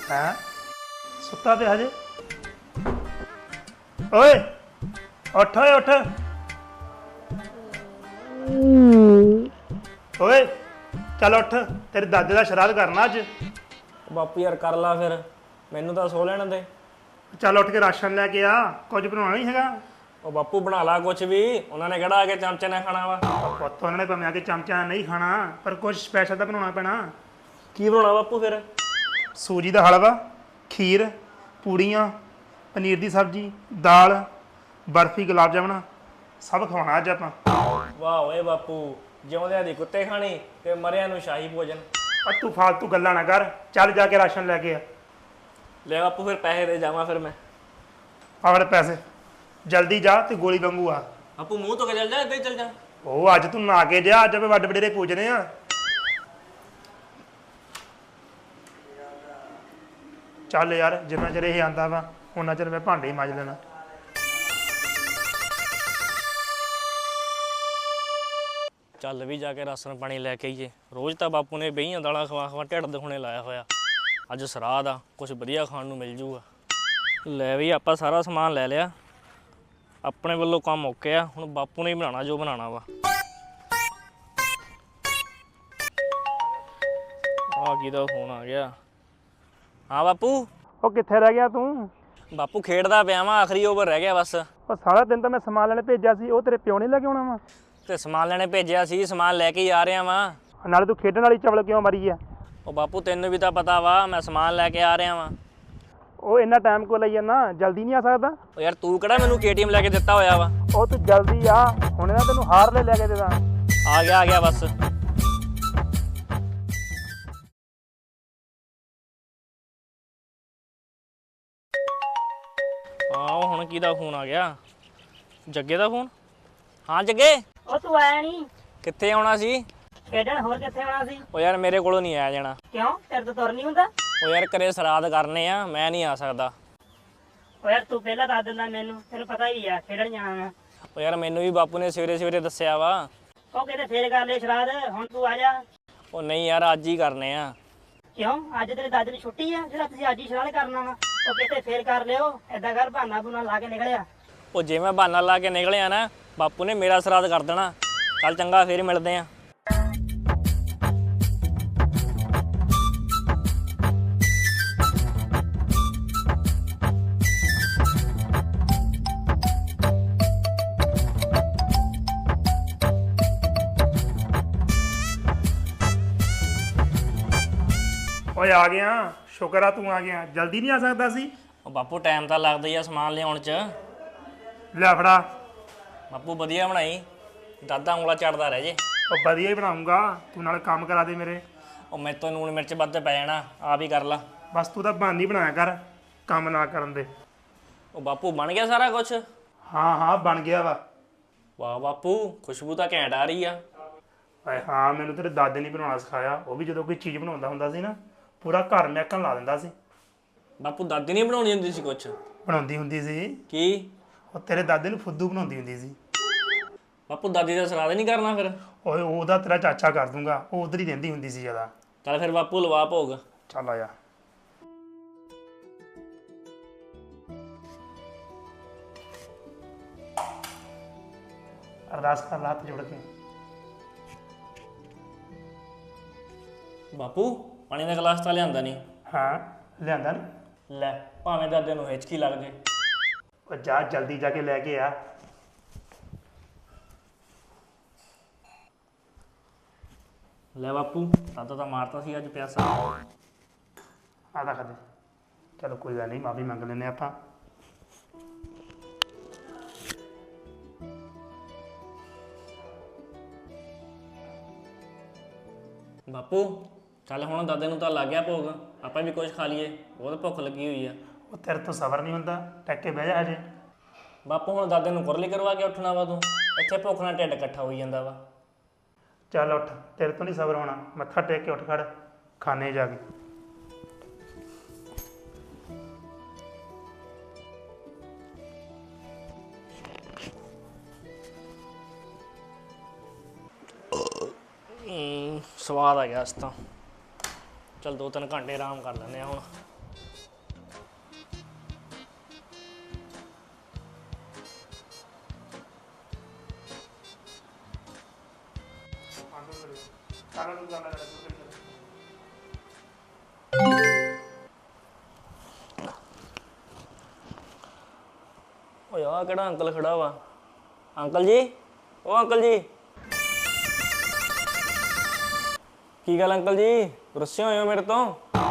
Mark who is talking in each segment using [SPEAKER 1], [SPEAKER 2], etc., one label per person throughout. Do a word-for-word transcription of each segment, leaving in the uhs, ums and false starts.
[SPEAKER 1] ਹੈ ਸੁੱਤਾ ਪਿਆ ਹਜੇ। ਓਏ ਉੱਠ ਓਏ ਉੱਠ ਓਏ ਚੱਲ ਉੱਠ, ਤੇਰੇ ਦਾਦੇ ਦਾ ਸ਼ਰਾਧ ਕਰਨਾ ਅੱਜ।
[SPEAKER 2] ਬਾਪੂ ਯਾਰ ਕਰ ਲਾ ਫਿਰ, ਮੈਨੂੰ ਤਾਂ ਸੋ ਲੈਣ ਦੇ।
[SPEAKER 1] ਚੱਲ ਉੱਠ ਕੇ ਰਾਸ਼ਨ ਲੈ ਕੇ ਆ, ਕੁਝ ਬਣਾਉਣਾ ਨਹੀਂ ਹੈਗਾ।
[SPEAKER 2] ਉਹ ਬਾਪੂ ਬਣਾ ਲਾ ਕੁਛ ਵੀ, ਉਹਨਾਂ ਨੇ ਕਿਹੜਾ ਆ ਕੇ ਚਮਚੇ ਨਾਲ ਖਾਣਾ ਵਾ।
[SPEAKER 1] ਪੁੱਤ ਉਹਨਾਂ ਨੇ ਭਾਵੇਂ ਆ ਕੇ ਚਮਚਾ ਨਹੀਂ ਖਾਣਾ, ਪਰ ਕੁਝ ਸਪੈਸ਼ਲ ਤਾਂ ਬਣਾਉਣਾ ਪੈਣਾ।
[SPEAKER 2] ਕੀ ਬਣਾਉਣਾ ਬਾਪੂ ਫਿਰ?
[SPEAKER 1] ਸੂਜੀ ਦਾ ਹਲਵਾ, ਖੀਰ, ਪੂੜੀਆਂ, ਪਨੀਰ ਦੀ ਸਬਜ਼ੀ, ਦਾਲ, ਬਰਫੀ, ਗੁਲਾਬ ਜਾਮਣਾ ਸਭ ਖਵਾਉਣਾ ਅੱਜ ਆਪਾਂ।
[SPEAKER 2] ਵਾਹ ਓਏ ਬਾਪੂ, ਜਿਉਂਦਿਆਂ ਦੀ ਕੁੱਤੇ ਖਾਣੀ ਤੇ ਮਰਿਆਂ ਨੂੰ ਸ਼ਾਹੀ ਭੋਜਨ।
[SPEAKER 1] ਆ ਤੂੰ ਫਾਲਤੂ ਗੱਲਾਂ ਨਾ ਕਰ, ਚੱਲ ਜਾ ਕੇ ਰਾਸ਼ਨ ਲੈ ਕੇ ਆ।
[SPEAKER 2] ਲੈ ਬਾਪੂ ਫਿਰ ਪੈਸੇ ਦੇ ਜਾਵਾਂ ਫਿਰ ਮੈਂ।
[SPEAKER 1] ਆਵੜ ਪੈਸੇ, ਜਲਦੀ ਜਾ ਤੇ ਗੋਲੀ ਵਾਂਗੂ ਆ।
[SPEAKER 2] ਬਾਪੂ ਮੂੰਹ ਤੋਂ ਚੱਲ ਜਾ, ਇੱਦਾਂ ਹੀ ਚੱਲ ਜਾ।
[SPEAKER 1] ਉਹ ਅੱਜ ਤੂੰ ਨਾ ਕੇ ਜਾ, ਅੱਜ ਆਪਾਂ ਵੱਡ ਵਡੇਰੇ ਪੂਜਨੇ ਆ। ਚੱਲ ਯਾਰ, ਜਿੰਨਾ ਚਿਰ ਇਹ ਆਂਦਾ ਵਾ ਉਹਨਾਂ ਚਿਰ ਮੈਂ ਭਾਂਡੇ ਹੀ ਮਾਂਜ ਲੈਣਾ।
[SPEAKER 2] ਚੱਲ ਵੀ ਜਾ ਕੇ ਰਾਸ਼ਨ ਪਾਣੀ ਲੈ ਕੇ ਆਈਏ। ਰੋਜ਼ ਤਾਂ ਬਾਪੂ ਨੇ ਬਹੀਆਂ ਦਾਲਾਂ ਖਵਾ ਖਵਾ ਢਿੱਡ ਦੁਖਣੇ ਲਾਇਆ ਹੋਇਆ। ਅੱਜ ਸਰਾਧ ਆ, ਕੁਛ ਵਧੀਆ ਖਾਣ ਨੂੰ ਮਿਲ ਜੂਗਾ। ਲੈ ਵੀ ਆਪਾਂ ਸਾਰਾ ਸਮਾਨ ਲੈ ਲਿਆ, ਆਪਣੇ ਵੱਲੋਂ ਕੰਮ ਓਕੇ ਆ। ਹੁਣ ਬਾਪੂ ਨੇ ਹੀ ਬਣਾਉਣਾ ਜੋ ਬਣਾਉਣਾ ਵਾ। ਆ ਕਿਹਦਾ ਫੋਨ ਆ ਗਿਆ? ਹਾਂ ਬਾਪੂ।
[SPEAKER 1] ਉਹ ਕਿੱਥੇ ਰਹਿ ਗਿਆ ਤੂੰ?
[SPEAKER 2] ਬਾਪੂ ਖੇਡਦਾ ਪਿਆ ਵਾ, ਆਖਰੀ ਓਵਰ ਰਹਿ ਗਿਆ ਬਸ।
[SPEAKER 1] ਉਹ ਸਾਰਾ ਦਿਨ ਤਾਂ ਮੈਂ ਸਮਾਨ ਲੈਣੇ ਭੇਜਿਆ ਸੀ, ਉਹ ਤੇਰੇ ਪਿਓ ਨੇ ਲੈ ਕੇ ਆਉਣਾ ਵਾ।
[SPEAKER 2] ਤੇ ਸਮਾਨ ਲੈਣੇ ਭੇਜਿਆ ਸੀ, ਸਮਾਨ ਲੈ ਕੇ ਹੀ ਆ ਰਿਹਾ ਵਾਂ।
[SPEAKER 1] ਨਾਲੇ ਤੂੰ ਖੇਡਣ ਵਾਲੀ ਚਵਲ ਕਿਉਂ ਮਰੀ ਆ?
[SPEAKER 2] ਉਹ ਬਾਪੂ ਤੈਨੂੰ ਵੀ ਤਾਂ ਪਤਾ ਵਾ, ਮੈਂ ਸਮਾਨ ਲੈ ਕੇ ਆ ਰਿਹਾ ਵਾਂ।
[SPEAKER 1] ਉਹ ਇੰਨਾ ਟਾਈਮ ਕੋ ਲਈ ਜਾਂਦਾ, ਜਲਦੀ ਨਹੀਂ ਆ ਸਕਦਾ?
[SPEAKER 2] ਉਹ ਯਾਰ ਤੂੰ ਕਿਹੜਾ ਮੈਨੂੰ ਕੇ ਟੀ ਐਮ ਲੈ ਕੇ ਦਿੱਤਾ ਹੋਇਆ ਵਾ?
[SPEAKER 1] ਉਹ ਤੂੰ ਜਲਦੀ ਆ, ਹੁਣੇ ਨਾ ਤੈਨੂੰ ਹਾਰ ਲੈ ਲੈ ਕੇ ਦੇਦਾ।
[SPEAKER 2] ਆ ਗਿਆ ਆ ਗਿਆ ਬਸ। ਆਹ ਹੁਣ ਕਿਹਦਾ ਫੋਨ ਆ ਗਿਆ? ਜੱਗੇ ਦਾ ਫੋਨ। ਹਾਂ ਜੱਗੇ।
[SPEAKER 3] ਉਹ ਤੂੰ ਆਇਆ ਨਹੀਂ?
[SPEAKER 2] ਕਿੱਥੇ ਆਉਣਾ ਸੀ?
[SPEAKER 3] ਖੇਡਣ। ਹੋਰ ਕਿੱਥੇ ਆਉਣਾ ਸੀ?
[SPEAKER 2] ਉਹ ਯਾਰ ਮੇਰੇ ਕੋਲੋਂ ਨਹੀਂ ਆਇਆ ਜਾਣਾ।
[SPEAKER 3] ਕਿਉਂ? ਤੇਰੇ ਤੋਂ ਤੁਰ ਨਹੀਂ ਹੁੰਦਾ?
[SPEAKER 2] ਉਹ ਯਾਰ ਘਰੇ ਸਰਾਧ ਕਰਨੇ ਆ, ਮੈਂ ਨਹੀਂ ਆ ਸਕਦਾ।
[SPEAKER 3] ਉਹ ਯਾਰ ਤੂੰ ਪਹਿਲਾਂ ਦੱਸ ਦਿੰਦਾ ਮੈਨੂੰ, ਤੈਨੂੰ ਪਤਾ ਹੀ ਆ ਖੇਡਣ ਜਾਣਾ ਮੈਂ।
[SPEAKER 2] ਉਹ ਯਾਰ ਮੈਨੂੰ ਵੀ ਬਾਪੂ ਨੇ ਸਵੇਰੇ ਸਵੇਰੇ ਦੱਸਿਆ ਵਾ।
[SPEAKER 3] ਉਹ ਕਹਿੰਦੇ ਫੇਰ ਕਰ ਲੈ ਸ਼ਰਾਧ, ਹੁਣ ਤੂੰ ਆ ਜਾ।
[SPEAKER 2] ਉਹ ਨਹੀਂ ਯਾਰ ਅੱਜ ਹੀ ਕਰਨੇ ਆ।
[SPEAKER 3] ਕਿਉਂ? ਅੱਜ ਤੇਰੇ ਦਾਦੇ ਦੀ ਛੁੱਟੀ ਆ ਜਿਹੜਾ ਤੁਸੀਂ ਅੱਜ ਹੀ ਸ਼ਰਾਧ ਕਰਨਾ ਵਾ? ਉਹ ਕਹਿੰਦੇ ਫੇਰ ਕਰ ਲਿਓ, ਏਦਾਂ ਕਰ ਬਹਾਨਾ ਬੁਨਾ ਲਾ ਕੇ ਨਿਕਲਿਆ।
[SPEAKER 2] ਉਹ ਜੇ ਮੈਂ ਬਹਾਨਾ ਲਾ ਕੇ ਨਿਕਲਿਆ ਨਾ, ਬਾਪੂ ਨੇ ਮੇਰਾ ਸਰਾਧ ਕਰ ਦੇਣਾ। ਚੱਲ ਚੰਗਾ, ਫੇਰ ਮਿਲਦੇ ਆ।
[SPEAKER 1] ਓਏ ਆ ਗਿਆ, ਸ਼ੁਕਰ ਆ ਤੂੰ ਆ ਗਿਆ। ਜਲਦੀ ਨਹੀਂ ਆ ਸਕਦਾ ਸੀ?
[SPEAKER 2] ਉਹ ਬਾਪੂ ਟਾਈਮ ਤਾਂ ਲੱਗਦਾ ਹੀ ਆ ਸਮਾਨ ਲਿਆਉਣ 'ਚ।
[SPEAKER 1] ਲੈ ਫੜਾ।
[SPEAKER 2] ਬਾਪੂ ਵਧੀਆ ਬਣਾਈ, ਦਾਦਾ ਉਂਗਲਾ ਚੜਦਾ ਰਹਿ ਜੇ।
[SPEAKER 1] ਉਹ ਵਧੀਆ ਹੀ ਬਣਾਉਂਗਾ, ਤੂੰ ਨਾਲ ਕੰਮ ਕਰਾ ਦੇ ਮੇਰੇ।
[SPEAKER 2] ਉਹ ਮੇਰੇ ਤੋਂ ਲੂਣ ਮਿਰਚ ਵੱਧ ਪੈ ਜਾਣਾ, ਆਪ ਹੀ ਕਰ ਲਾ।
[SPEAKER 1] ਬਸ ਤੂੰ ਤਾਂ ਬਹਾਨੇ ਬਣਾਇਆ ਕਰ ਕੰਮ ਨਾ ਕਰਨ ਦੇ।
[SPEAKER 2] ਉਹ ਬਾਪੂ ਬਣ ਗਿਆ ਸਾਰਾ ਕੁਛ?
[SPEAKER 1] ਹਾਂ ਹਾਂ ਬਣ ਗਿਆ ਵਾ।
[SPEAKER 2] ਵਾਹ ਬਾਪੂ, ਖੁਸ਼ਬੂ ਤਾਂ ਘੈਂਟ ਆ ਰਹੀ ਆ।
[SPEAKER 1] ਓਏ ਹਾਂ, ਮੈਨੂੰ ਤੇਰੇ ਦਾਦੇ ਨੇ ਬਣਾਉਣਾ ਸਿਖਾਇਆ। ਉਹ ਵੀ ਜਦੋਂ ਕੋਈ ਚੀਜ਼ ਬਣਾਉਂਦਾ ਹੁੰਦਾ ਸੀ ਨਾ, ਪੂਰਾ ਘਰ ਮਹਿਕਣ ਲਾ ਦਿੰਦਾ ਸੀ।
[SPEAKER 2] ਬਾਪੂ ਦਾਦੀ ਨਹੀਂ ਬਣਾਉਣੀ ਹੁੰਦੀ ਸੀ ਕੁਛ?
[SPEAKER 1] ਬਣਾਉਂਦੀ ਹੁੰਦੀ ਸੀ।
[SPEAKER 2] ਕੀ?
[SPEAKER 1] ਉਹ ਤੇਰੇ ਦਾਦੇ ਨੂੰ ਫੁੱਦੂ ਬਣਾਉਂਦੀ ਹੁੰਦੀ ਸੀ।
[SPEAKER 2] ਬਾਪੂ ਦਾਦੀ ਦਾ ਸਰਾਧ ਨਹੀਂ ਕਰਨਾ ਫਿਰ?
[SPEAKER 1] ਓਏ ਉਹਦਾ ਤੇਰਾ ਚਾਚਾ ਕਰ ਦੂੰਗਾ, ਉਹ ਉਧਰ ਹੀ ਰਹਿੰਦੀ ਹੁੰਦੀ ਸੀ ਜ਼ਿਆਦਾ।
[SPEAKER 2] ਚੱਲ ਫਿਰ ਬਾਪੂ ਲਵਾ ਭੋਗ।
[SPEAKER 1] ਚੱਲ ਆ ਜਾ। ਅਰਦਾਸ ਕਰ ਲਾ ਹੱਥ ਜੋੜ ਕੇ।
[SPEAKER 2] ਬਾਪੂ ਪਾਣੀ ਦਾ ਗਲਾਸ ਤਾਂ ਲਿਆਂਦਾ ਨਹੀਂ?
[SPEAKER 1] ਹਾਂ ਲਿਆਂਦਾ ਨਾ।
[SPEAKER 2] ਲੈ ਭਾਵੇਂ ਦਾਦੇ ਨੂੰ ਹਿਚਕੀ ਲੱਗ ਜੇ।
[SPEAKER 1] ਉਹ ਜਾ ਜਲਦੀ ਜਾ ਕੇ ਲੈ ਕੇ ਆ।
[SPEAKER 2] ਲੈ ਬਾਪੂ, ਦਾਦਾ ਤਾਂ ਮਾਰਤਾ ਸੀ ਅੱਜ ਪਿਆਸਾ।
[SPEAKER 1] ਆਦਾ ਖਾਦੇ। ਚਲੋ ਕੋਈ ਗੱਲ ਨਹੀਂ, ਮਾਫੀ ਮੰਗ ਲੈਂਦੇ ਆਪਾਂ।
[SPEAKER 2] ਬਾਪੂ ਚੱਲ ਹੁਣ ਦਾਦੇ ਨੂੰ ਤਾਂ ਲੱਗ ਗਿਆ ਭੋਗ, ਆਪਾਂ ਵੀ ਕੁਝ ਖਾ ਲਈਏ, ਬਹੁਤ ਭੁੱਖ ਲੱਗੀ ਹੋਈ ਆ।
[SPEAKER 1] ਉਹ ਤੇਰੇ ਤੋਂ ਸਬਰ ਨਹੀਂ ਹੁੰਦਾ, ਟੱਕ ਕੇ ਬਹਿ ਜਾ ਹਜੇ।
[SPEAKER 2] ਬਾਪੂ ਹੁਣ ਦਾਦੇ ਨੂੰ ਕੁਰਲੀ ਕਰਵਾ ਕੇ ਉੱਠਣਾ ਵਾ ਤੂੰ? ਇੱਥੇ ਭੁੱਖ ਨਾਲ ਢਿੱਡ ਇਕੱਠਾ ਹੋਈ ਜਾਂਦਾ ਵਾ।
[SPEAKER 1] ਚੱਲ ਉੱਠ, ਤੇਰੇ ਤੋਂ ਨਹੀਂ ਸਬਰ ਹੋਣਾ। ਮੱਥਾ ਟੇਕ ਕੇ ਉੱਠ ਖੜ, ਖਾਣੇ ਜਾ ਕੇ।
[SPEAKER 2] ਸਵਾਦ ਆ ਗਿਆ ਇਸ ਤਾਂ। ਚੱਲ ਦੋ ਤਿੰਨ ਘੰਟੇ ਆਰਾਮ ਕਰ ਲੈਂਦੇ ਆ ਹੁਣ।
[SPEAKER 1] ਸਾਰਾ ਨੂੰ ਗੱਲ ਕਰ
[SPEAKER 2] ਓਏ ਆ ਕਿਹੜਾ ਅੰਕਲ ਖੜਾ ਵਾ? ਅੰਕਲ ਜੀ, ਓ ਅੰਕਲ ਜੀ, ਕੀ ਗੱਲ ਅੰਕਲ ਜੀ, ਗੁੱਸੇ ਹੋਏ ਹੋ ਮੇਰੇ ਤੋਂ?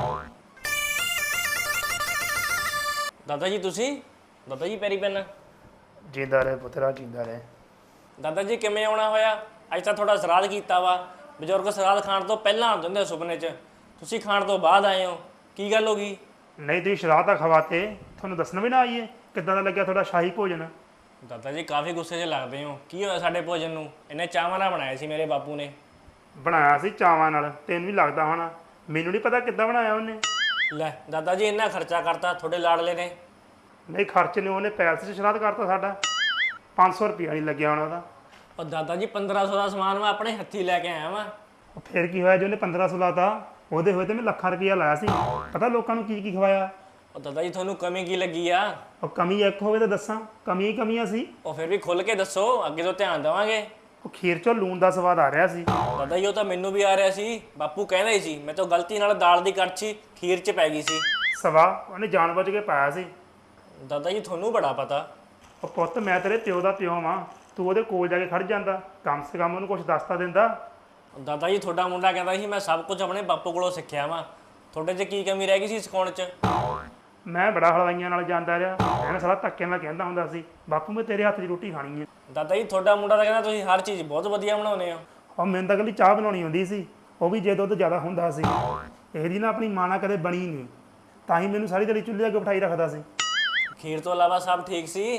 [SPEAKER 2] ਦਾਦਾ ਜੀ ਤੁਸੀਂ? ਦਾਦਾ ਜੀ ਪੈਰੀ ਪੈਨ।
[SPEAKER 1] ਜਿੰਦਾ ਰਹੇ ਪੁੱਤਰਾ, ਜਿੰਦਾ ਰਹੇ।
[SPEAKER 2] ਦਾਦਾ ਜੀ ਕਿਵੇਂ ਆਉਣਾ ਹੋਇਆ? ਅੱਜ ਤਾਂ ਤੁਹਾਡਾ ਸਰਾਧ ਕੀਤਾ ਵਾ। ਬਜ਼ੁਰਗ ਸਰਾਧ ਖਾਣ ਤੋਂ ਪਹਿਲਾਂ ਆਉਂਦੇ ਹੁੰਦੇ ਸੁਪਨੇ 'ਚ, ਤੁਸੀਂ ਖਾਣ ਤੋਂ ਬਾਅਦ ਆਏ ਹੋ। ਕੀ ਗੱਲ ਹੋ ਗਈ?
[SPEAKER 1] ਨਹੀਂ ਤੁਸੀਂ ਸ਼ਰਾਧ ਤਾਂ ਖਵਾਤੇ, ਤੁਹਾਨੂੰ ਦੱਸਣਾ ਵੀ ਨਾ ਆਈਏ ਕਿੱਦਾਂ ਦਾ ਲੱਗਿਆ ਤੁਹਾਡਾ ਸ਼ਾਹੀ ਭੋਜਨ?
[SPEAKER 2] ਦਾਦਾ ਜੀ ਕਾਫੀ ਗੁੱਸੇ 'ਚ ਲੱਗਦੇ ਹੋ। ਕੀ ਹੋਇਆ ਸਾਡੇ ਭੋਜਨ ਨੂੰ? ਇਹਨੇ ਚਾਵਾਂ ਨਾਲ ਬਣਾਇਆ ਸੀ ਮੇਰੇ ਬਾਪੂ ਨੇ।
[SPEAKER 1] ਬਣਾਇਆ ਸੀ ਚਾਵਾਂ ਨਾਲ, ਤੈਨੂੰ ਵੀ ਲੱਗਦਾ ਹੋਣਾ। ਮੈਨੂੰ ਨਹੀਂ ਪਤਾ ਕਿੱਦਾਂ ਬਣਾਇਆ ਉਹਨੇ।
[SPEAKER 2] ਲੈ ਦਾਦਾ ਜੀ ਇੰਨਾ ਖਰਚਾ ਕਰਤਾ ਤੁਹਾਡੇ ਲਾਡਲੇ ਨੇ।
[SPEAKER 1] ਨਹੀਂ ਖਰਚ ਨੇ, ਉਹਨੇ ਪੈਲਸ 'ਚ ਸ਼ਰਾਧ ਕਰਤਾ ਸਾਡਾ। ਪੰਜ ਸੌ ਰੁਪਇਆ ਨਹੀਂ ਲੱਗਿਆ ਹੋਣਾ ਉਹਦਾ।
[SPEAKER 2] ਉਹ ਦਾਦਾ ਜੀ ਪੰਦਰਾਂ ਸੌ ਦਾ ਸਮਾਨ ਮੈਂ ਆਪਣੇ ਹੱਥੀ ਲੈ ਕੇ ਆਇਆ ਵਾਂ।
[SPEAKER 1] ਉਹ ਫਿਰ ਕੀ ਹੋਇਆ ਜੇ ਉਹਨੇ ਪੰਦਰਾਂ ਸੌ ਲਾਤਾ? ਉਹਦੇ ਹੋਏ ਤੇ ਮੈਂ ਲੱਖਾਂ ਰੁਪਇਆ ਲਾਇਆ ਸੀ। ਪਤਾ ਲੋਕਾਂ ਨੂੰ ਕੀ ਕੀ ਖਵਾਇਆ?
[SPEAKER 2] ਉਹ ਦਾਦਾ ਜੀ ਤੁਹਾਨੂੰ ਕਮੀ ਕੀ ਲੱਗੀ ਆ?
[SPEAKER 1] ਉਹ ਕਮੀ ਇੱਕ ਹੋਵੇ ਤਾਂ ਦੱਸਾਂ, ਕਮੀਆਂ ਹੀ ਕਮੀਆਂ ਸੀ।
[SPEAKER 2] ਉਹ ਫਿਰ ਵੀ ਖੁੱਲ ਕੇ ਦੱਸੋ, ਅੱਗੇ ਤੋਂ ਧਿਆਨ ਦੇਵਾਂਗੇ।
[SPEAKER 1] ਉਹ ਖੀਰ 'ਚੋਂ ਲੂਣ ਦਾ ਸਵਾਦ ਆ ਰਿਹਾ ਸੀ।
[SPEAKER 2] ਦਾਦਾ ਜੀ ਉਹ ਤਾਂ ਮੈਨੂੰ ਵੀ ਆ ਰਿਹਾ ਸੀ। ਬਾਪੂ ਕਹਿੰਦਾ ਹੀ ਸੀ ਮੈਂ ਤਾਂ ਗਲਤੀ ਨਾਲ ਦਾਲ ਦੀ ਕੜਛੀ ਖੀਰ 'ਚ ਪੈ ਗਈ ਸੀ।
[SPEAKER 1] ਸਵਾ ਉਹਨੇ ਜਾਣਬੁੱਝ ਕੇ ਪਾਇਆ ਸੀ।
[SPEAKER 2] ਦਾਦਾ ਜੀ ਤੁਹਾਨੂੰ ਬੜਾ ਪਤਾ।
[SPEAKER 1] ਉਹ ਪੁੱਤ ਮੈਂ ਤੇਰੇ ਪਿਓ ਦਾ ਪਿਓ ਵਾਂ, ਤੂੰ ਉਹਦੇ ਕੋਲ ਜਾ ਕੇ ਖੜ ਜਾਂਦਾ, ਕਮ ਸੇ ਕਮ ਉਹਨੂੰ ਕੁਝ ਦੱਸਤਾ ਦਿੰਦਾ।
[SPEAKER 2] ਦਾਦਾ ਜੀ ਤੁਹਾਡਾ ਮੁੰਡਾ ਕਹਿੰਦਾ ਸੀ ਮੈਂ ਸਭ ਕੁਝ ਆਪਣੇ ਬਾਪੂ ਕੋਲੋਂ ਸਿੱਖਿਆ ਵਾਂ। ਤੁਹਾਡੇ 'ਚ ਕੀ ਕਮੀ ਰਹਿ ਗਈ ਸੀ ਸਿਖਾਉਣ 'ਚ?
[SPEAKER 1] ਮੈਂ ਬੜਾ ਹਲਵਾਈਆਂ ਨਾਲ ਜਾਂਦਾ ਰਿਹਾ, ਮੈਂ ਸਾਲਾ ਧੱਕੇ ਨਾਲ ਕਹਿੰਦਾ ਹੁੰਦਾ ਸੀ ਬਾਪੂ ਮੈਂ ਤੇਰੇ ਹੱਥ ਦੀ ਰੋਟੀ ਖਾਣੀ ਹੈ।
[SPEAKER 2] ਦਾਦਾ ਜੀ ਤੁਹਾਡਾ ਮੁੰਡਾ ਤਾਂ ਕਹਿੰਦਾ ਤੁਸੀਂ ਹਰ ਚੀਜ਼ ਬਹੁਤ ਵਧੀਆ ਬਣਾਉਂਦੇ ਹੋ।
[SPEAKER 1] ਉਹ ਮੈਨੂੰ ਤਾਂ ਇਕੱਲੀ ਚਾਹ ਬਣਾਉਣੀ ਹੁੰਦੀ ਸੀ, ਉਹ ਵੀ ਜੇ ਦੁੱਧ ਜ਼ਿਆਦਾ ਹੁੰਦਾ ਸੀ। ਇਹਦੀ ਨਾ ਆਪਣੀ ਮਾਂ ਨਾਲ ਕਦੇ ਬਣੀ ਨਹੀਂ, ਤਾਂ ਹੀ ਮੈਨੂੰ ਸਾਰੀ ਦਿਹਾੜੀ ਚੁੱਲ੍ਹੇ ਅੱਗੇ ਬਿਠਾਈ ਰੱਖਦਾ ਸੀ।
[SPEAKER 2] ਖੀਰ ਤੋਂ ਇਲਾਵਾ ਸਭ ਠੀਕ ਸੀ?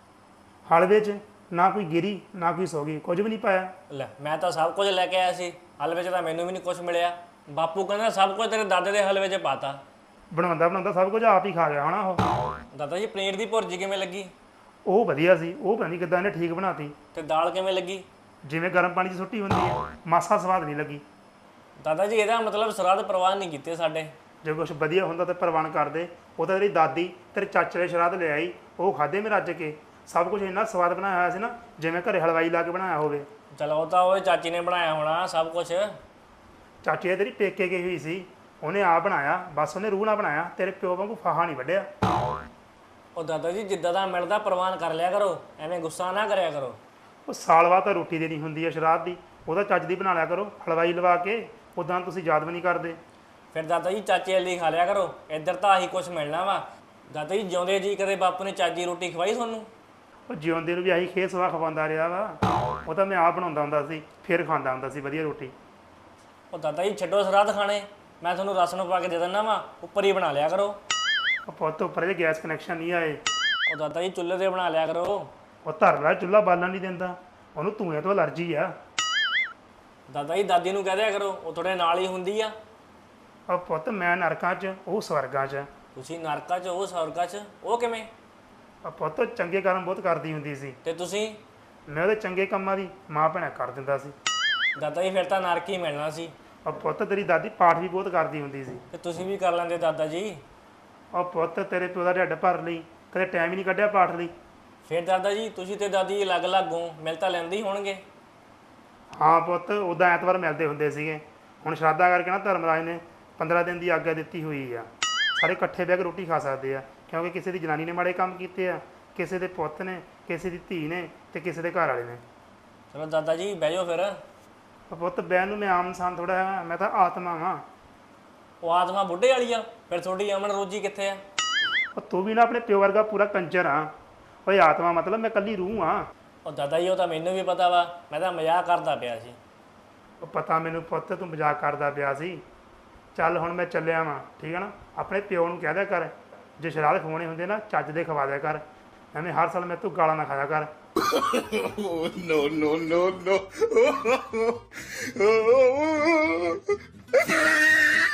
[SPEAKER 1] ਹਲਵੇ 'ਚ ਨਾ ਕੋਈ ਗਿਰੀ ਨਾ ਕੋਈ ਸੋਗੀ, ਕੁਝ ਵੀ ਨਹੀਂ ਪਾਇਆ।
[SPEAKER 2] ਲੈ ਮੈਂ ਤਾਂ ਸਭ ਕੁਝ ਲੈ ਕੇ ਆਇਆ ਸੀ, ਹਲਵੇ 'ਚ ਤਾਂ ਮੈਨੂੰ ਵੀ ਨਹੀਂ ਕੁਝ ਮਿਲਿਆ। ਬਾਪੂ ਕਹਿੰਦਾ ਸਭ ਕੁਝ ਤੇਰੇ ਦਾਦੇ ਦੇ ਹਲਵੇ 'ਚ ਪਾਤਾ।
[SPEAKER 1] ਬਣਾਉਂਦਾ ਬਣਾਉਂਦਾ ਸਭ ਕੁਝ ਆਪ ਹੀ ਖਾ ਗਿਆ ਹੋਣਾ ਉਹ।
[SPEAKER 2] ਦਾਦਾ ਜੀ ਪਨੀਰ ਦੀ ਭੁਰਜੀ ਕਿਵੇਂ ਲੱਗੀ?
[SPEAKER 1] ਉਹ ਵਧੀਆ ਸੀ, ਉਹ ਪਤਾ ਨਹੀਂ ਕਿੱਦਾਂ ਇਹਨੇ ਠੀਕ ਬਣਾਤੀ।
[SPEAKER 2] ਤੇ ਦਾਲ ਕਿਵੇਂ ਲੱਗੀ?
[SPEAKER 1] ਜਿਵੇਂ ਗਰਮ ਪਾਣੀ 'ਚ ਸੁੱਟੀ ਹੁੰਦੀ ਹੈ, ਮਾਸਾ ਸਵਾਦ ਨਹੀਂ ਲੱਗੀ।
[SPEAKER 2] ਦਾਦਾ ਜੀ ਇਹਦਾ ਮਤਲਬ ਸਰਾਧ ਪ੍ਰਵਾਨ ਨਹੀਂ ਕੀਤੇ ਸਾਡੇ।
[SPEAKER 1] ਜੇ ਕੁਛ ਵਧੀਆ ਹੁੰਦਾ ਤਾਂ ਪ੍ਰਵਾਨ ਕਰਦੇ। ਉਹ ਤਾਂ ਤੇਰੀ ਦਾਦੀ ਤੇਰੇ ਚਾਚੇ ਦੇ ਸ਼ਰਾਧ ਲੈ ਆਈ, ਉਹ ਖਾਦੇ ਮੈਂ ਰੱਜ ਕੇ। ਸਭ ਕੁਝ ਇੰਨਾ ਸਵਾਦ ਬਣਾਇਆ ਹੋਇਆ ਸੀ ਨਾ, ਜਿਵੇਂ ਘਰੇ ਹਲਵਾਈ ਲਾ ਕੇ ਬਣਾਇਆ ਹੋਵੇ।
[SPEAKER 2] ਚਲੋ ਉਹ ਤਾਂ ਉਹ ਚਾਚੀ ਨੇ ਬਣਾਇਆ ਹੋਣਾ ਸਭ ਕੁਝ।
[SPEAKER 1] ਚਾਚੀ ਇਹ ਤੇਰੀ ਪੇਕੇ ਗਈ ਹੋਈ ਸੀ, ਉਹਨੇ ਆਪ ਬਣਾਇਆ, ਬਸ ਉਹਨੇ ਰੂਹ ਨਾਲ ਬਣਾਇਆ। ਤੇਰੇ ਪਿਓ ਵਾਂਗੂ ਫਾਹਾ ਨਹੀਂ ਵੱਢਿਆ।
[SPEAKER 2] ਉਹ ਦਾਦਾ ਜੀ ਜਿੱਦਾਂ ਦਾ ਮਿਲਦਾ ਪ੍ਰਵਾਨ ਕਰ ਲਿਆ ਕਰੋ, ਐਵੇਂ ਗੁੱਸਾ ਨਾ ਕਰਿਆ ਕਰੋ।
[SPEAKER 1] ਉਹ ਸਾਲ ਬਾਅਦ ਤਾਂ ਰੋਟੀ ਦੇਣੀ ਹੁੰਦੀ ਹੈ ਸ਼ਰਾਧ ਦੀ, ਉਹਦਾ ਚੱਜ ਦੀ ਬਣਾ ਲਿਆ ਕਰੋ ਹਲਵਾਈ ਲਵਾ ਕੇ। ਉੱਦਾਂ ਤੁਸੀਂ ਯਾਦ ਵੀ ਨਹੀਂ ਕਰਦੇ।
[SPEAKER 2] ਫਿਰ ਦਾਦਾ ਜੀ ਚਾਚੇ ਵਾਲੀ ਖਾ ਲਿਆ ਕਰੋ, ਇੱਧਰ ਤਾਂ ਆਹੀ ਕੁਝ ਮਿਲਣਾ ਵਾ। ਦਾਦਾ ਜੀ ਜਿਉਂਦੇ ਜੀ ਕਦੇ ਬਾਪੂ ਨੇ ਚਾਜੀ ਰੋਟੀ ਖਵਾਈ ਤੁਹਾਨੂੰ?
[SPEAKER 1] ਉਹ ਜਿਉਂਦੇ ਨੂੰ ਵੀ ਆਹੀ ਖੇ ਸਵਾ ਖਵਾਉਂਦਾ ਰਿਹਾ ਵਾ। ਉਹ ਤਾਂ ਮੈਂ ਆਪ ਬਣਾਉਂਦਾ ਹੁੰਦਾ ਸੀ, ਫਿਰ ਖਾਂਦਾ ਹੁੰਦਾ ਸੀ ਵਧੀਆ ਰੋਟੀ।
[SPEAKER 2] ਉਹ ਦਾਦਾ ਜੀ ਛੱਡੋ ਸਰਾਧ ਖਾਣੇ, ਮੈਂ ਤੁਹਾਨੂੰ ਰਸ ਨੂੰ ਪਾ ਕੇ ਦੇ ਦਿੰਦਾ ਵਾ, ਉੱਪਰ ਹੀ ਬਣਾ ਲਿਆ ਕਰੋ।
[SPEAKER 1] ਉਹ ਪੁੱਤ ਉੱਪਰ ਜੇ ਗੈਸ ਕਨੈਕਸ਼ਨ ਨਹੀਂ ਆਏ।
[SPEAKER 2] ਉਹ ਦਾਦਾ ਜੀ ਚੁੱਲ੍ਹੇ ਤੇ ਬਣਾ ਲਿਆ ਕਰੋ।
[SPEAKER 1] ਉਹ ਧਰ ਲੈ, ਚੁੱਲ੍ਹਾ ਬਾਲਣ ਨਹੀਂ ਦਿੰਦਾ, ਉਹਨੂੰ ਧੂਏ ਤੋਂ ਅਲਰਜੀ ਆ।
[SPEAKER 2] ਦਾਦਾ ਜੀ ਦਾਦੀ ਨੂੰ ਕਹਿ ਦਿਆ ਕਰੋ, ਉਹ ਤੁਹਾਡੇ ਨਾਲ ਹੀ ਹੁੰਦੀ ਆ।
[SPEAKER 1] ਉਹ ਪੁੱਤ ਮੈਂ ਨਰਕਾਂ 'ਚ, ਉਹ ਸਵਰਗਾਂ 'ਚ।
[SPEAKER 2] ਤੁਸੀਂ ਨਰਕਾਂ 'ਚ, ਉਹ ਸਵਰਗਾਂ 'ਚ, ਉਹ ਕਿਵੇਂ?
[SPEAKER 1] ਉਹ ਪੁੱਤ ਚੰਗੇ ਕਰਮ ਬਹੁਤ ਕਰਦੀ ਹੁੰਦੀ ਸੀ,
[SPEAKER 2] ਤੇ ਤੁਸੀਂ?
[SPEAKER 1] ਮੈਂ ਉਹਦੇ ਚੰਗੇ ਕੰਮਾਂ ਦੀ ਮਾਂ ਭੈਣਾ ਕਰ ਦਿੰਦਾ ਸੀ।
[SPEAKER 2] ਦਾਦਾ ਜੀ ਫਿਰ ਤਾਂ ਨਰਕ ਹੀ ਮਿਲਣਾ ਸੀ।
[SPEAKER 1] ਉਹ ਪੁੱਤ ਤੇਰੀ ਦਾਦੀ ਪਾਠ ਵੀ ਬਹੁਤ ਕਰਦੀ ਹੁੰਦੀ ਸੀ।
[SPEAKER 2] ਤੇ ਤੁਸੀਂ ਵੀ ਕਰ ਲੈਂਦੇ ਦਾਦਾ ਜੀ।
[SPEAKER 1] ਉਹ ਪੁੱਤ ਤੇਰੇ ਪਿਓ ਦਾ ਢਿੱਡ ਭਰ ਲਈ, ਕਦੇ ਟਾਈਮ ਹੀ ਨਹੀਂ ਕੱਢਿਆ ਪਾਠ ਲਈ।
[SPEAKER 2] ਫਿਰ ਦਾਦਾ ਜੀ ਤੁਸੀਂ ਤੇ ਦਾਦੀ ਅਲੱਗ-ਅਲੱਗ ਹੋ, ਮਿਲ ਤਾਂ ਲੈਂਦੇ ਹੀ ਹੋਣਗੇ।
[SPEAKER 1] ਹਾਂ ਪੁੱਤ ਉੱਦਾਂ ਐਤਵਾਰ ਮਿਲਦੇ ਹੁੰਦੇ ਸੀਗੇ। ਹੁਣ ਸ਼ਰਾਧਾ ਕਰਕੇ ਨਾ ਧਰਮਰਾਜ ਨੇ ਪੰਦਰਾਂ ਦਿਨ ਦੀ ਆਗਿਆ ਦਿੱਤੀ ਹੋਈ ਆ, ਸਾਰੇ ਇਕੱਠੇ ਬਹਿ ਕੇ ਰੋਟੀ ਖਾ ਸਕਦੇ ਆ। ਕਿਉਂਕਿ ਕਿਸੇ ਦੀ ਜਨਾਨੀ ਨੇ ਮਾੜੇ ਕੰਮ ਕੀਤੇ ਆ, ਕਿਸੇ ਦੇ ਪੁੱਤ ਨੇ, ਕਿਸੇ ਦੀ ਧੀ ਨੇ, ਤੇ ਕਿਸੇ ਦੇ ਘਰ ਵਾਲੇ ਨੇ।
[SPEAKER 2] ਚਲੋ ਦਾਦਾ ਜੀ ਬਹਿ ਜਾਓ ਫਿਰ।
[SPEAKER 1] ਉਹ ਪੁੱਤ ਬਹਿਣ ਨੂੰ ਮੈਂ ਆਮ ਇਨਸਾਨ ਥੋੜਾ ਹੈ, ਮੈਂ ਤਾਂ ਆਤਮਾ ਵਾਂ।
[SPEAKER 2] ਉਹ ਆਤਮਾ ਬੁੱਢੇ ਵਾਲੀ ਆ, ਫਿਰ ਤੁਹਾਡੀ ਅਮਨ ਰੋਜੀ ਕਿੱਥੇ ਆ?
[SPEAKER 1] ਉਹ ਤੂੰ ਵੀ ਨਾ ਆਪਣੇ ਪਿਓ ਵਰਗਾ ਪੂਰਾ ਕੰਜਰ ਆ। ਓਏ ਆਤਮਾ ਮਤਲਬ ਮੈਂ ਕੱਲੀ ਰੂਹ ਆ।
[SPEAKER 2] ਉਹ ਦਾਦਾ ਜੀ ਉਹ ਤਾਂ ਮੈਨੂੰ ਵੀ ਪਤਾ ਵਾ, ਮੈਂ ਤਾਂ ਮਜ਼ਾਕ ਕਰਦਾ ਪਿਆ ਸੀ।
[SPEAKER 1] ਉਹ ਪਤਾ ਮੈਨੂੰ ਪੁੱਤ ਤੂੰ ਮਜ਼ਾਕ ਕਰਦਾ ਪਿਆ ਸੀ। ਚੱਲ ਹੁਣ ਮੈਂ ਚੱਲਿਆ ਵਾਂ, ਠੀਕ ਹੈ ਨਾ। ਆਪਣੇ ਪਿਓ ਨੂੰ ਕਹਿ ਦਿਆ ਕਰ, ਜੇ ਸ਼ਰਾਧ ਖਵਾਉਣੇ ਹੁੰਦੇ ਨਾ ਚੱਜ ਦੇ ਖਵਾ ਦਿਆ ਕਰ, ਐਵੇਂ ਹਰ ਸਾਲ ਮੈਂ ਤੂੰ ਗਾਲਾਂ ਨਾ ਖਾਇਆ ਕਰ।
[SPEAKER 4] Oh, no, no, no, no.